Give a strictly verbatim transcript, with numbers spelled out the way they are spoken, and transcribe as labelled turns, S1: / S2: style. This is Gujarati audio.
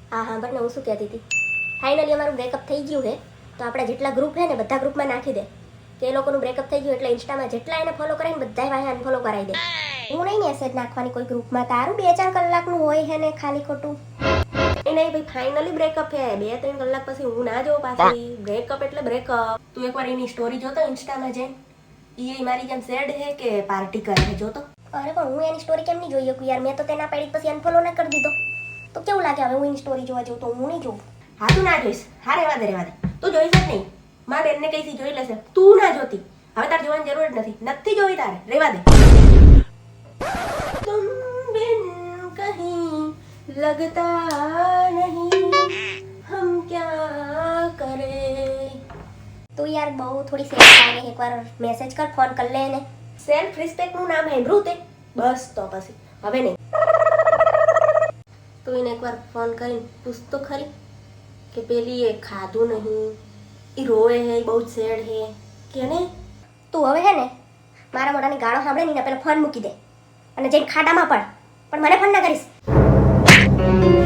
S1: હા હા બટ હું શું કહેતી હતી, ફાઇનલી અમારું બ્રેકઅપ થઈ ગયું છે. તો આપણા જેટલા ગ્રુપ છે ને બધા ગ્રુપમાં નાખી દે કે એ લોકોનું બ્રેકઅપ થઈ ગયું એટલે ઇન્સ્ટામાં જેટલા એને ફોલો કરે ને બધા વાહે અનફોલો કરાવી દે. હું નહીં મેસેજ નાખવાની કોઈ ગ્રુપમાં, તારું બે ચાર કલાકનું હોય છે ને ખાલી ખોટું. એ નહીં ભાઈ, ફાઇનલી બ્રેકઅપ છે. બે ત્રણ કલાક પછી હું ના જોઉં પાછી. બ્રેકઅપ એટલે બ્રેકઅપ. તું એકવાર એની સ્ટોરી જોતો ઇન્સ્ટામાં જઈને, એ મારી જેમ સેડ છે કે પાર્ટી કરે છે જોતો. અરે પણ હું એની સ્ટોરી કેમ નહીં જોઈ શકું યાર? મેં તો તેના પાડી પછી અનફોલો ના કરી દીધો. તો કેવું લાગે હવે હું એની સ્ટોરી જોવા જઉં તો? હું નહીં જોઉં. હા તું ના જોઈશ. હા રહેવા દે રહેવા દે. તું જોઈશ જ નહીં. મારા બેનને કઈથી જોઈ લેશે. તું ના જોતી. હવે તારે જોવાની જરૂર જ નથી. નથી જોઈ તારે. રહેવા દે. तुम बिन कहीं लगता नहीं, हम क्या करे. તું યાર બહુ થોડી સેફ લાગે. એકવાર મેસેજ કર, ફોન કર લે એને. સેલ્ફ રિસ્પેક્ટ નું નામ સાંભળ્યું તે? બસ તો પછી હવે નહીં. તું એને એકવાર ફોન કરીને પૂછ તો ખરી કે પેલી એ ખાધું નહીં, એ રોવે હે, બહુ જ સેડ હે કે ને. તું હવે હે ને મારા મોઢાની ગાળો સાંભળે ને પેલા ફોન મૂકી દે અને જઈને ખાડામાં પડ, પણ મને ફોન ના કરીશ.